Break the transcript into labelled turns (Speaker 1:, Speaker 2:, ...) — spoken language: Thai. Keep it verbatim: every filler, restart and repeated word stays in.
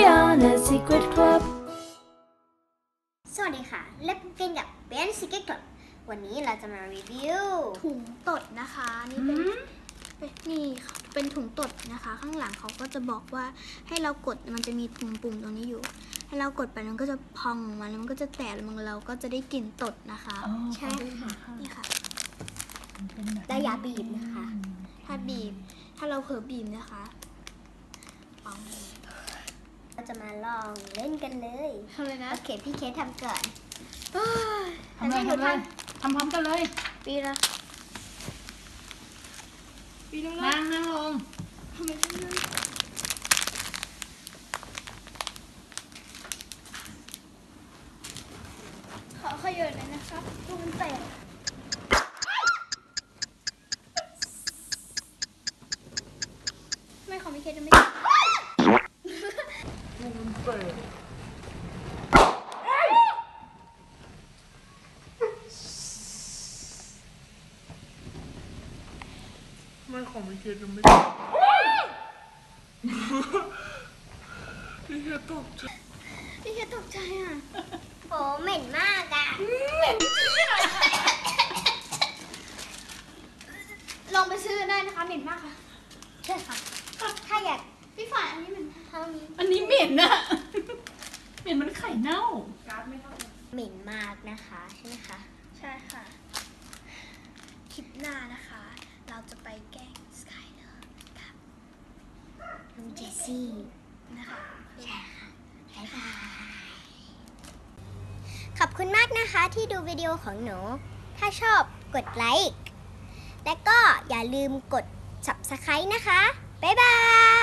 Speaker 1: Brianna Secret Club
Speaker 2: สวัสดีค่ะเล่นเกมกับ Brianna Secret Club วันนี้เราจะมารีวิวถุงตดนะคะนี่เป็นนี่ค่ะเป็นถุงตดนะคะข้างหลังเขาก็จะบอกว่าให้เรากดมันจะมีปุ่มปุ่มตรงนี้อยู่ให้เรากดไปมันก็จะพองออกมาแล้วมันก็จะแตกแล้วเราก็จะได้กลิ่นตดนะคะใช่ค่ะนี่ค่ะแต่อย่าบีบนะคะถ้าบีบถ้าเราเผลอบีบนะคะเราจะมาลองเล่นกันเลยทำเลยนะโอเคพี่เคสทำก่อน
Speaker 3: ทำเลยทำเลยทำพร้อมกันเลย
Speaker 2: ปีละปีละ
Speaker 3: นั่งนั่งลง
Speaker 2: ทำไมทำเลยขอขยันหน่อยนะครับดูมันแตกไม่ของพี่เคสจะไม่
Speaker 3: ไม่ของพี่เคสจะไม่พี่เคสตกใจ
Speaker 2: พี่เคสตกใจอ่ะโหเหม็นมากอ่ะลองไปซื้อได้นะคะเหม็นมากค่ะใช่ค่ะถ้าอยากพี่ฝ่ายอันนี้เหม็นเท่านี้
Speaker 3: อันนี้เหม็นนะเหม็นมันไข่เน่าการ์ดไม่เท่า
Speaker 2: เหม็นมากนะคะใช่ไหมคะใช่ค่ะคลิปหน้านะคะเราจะไปแกล้งสกายเลอร์กับน้องเจสซี่นะคะใช่ค่ะบ๊ายบายขอบคุณมากนะคะที่ดูวิดีโอของหนูถ้าชอบกดไลค์และก็อย่าลืมกด ซับสไครบ์ นะคะบ๊ายบาย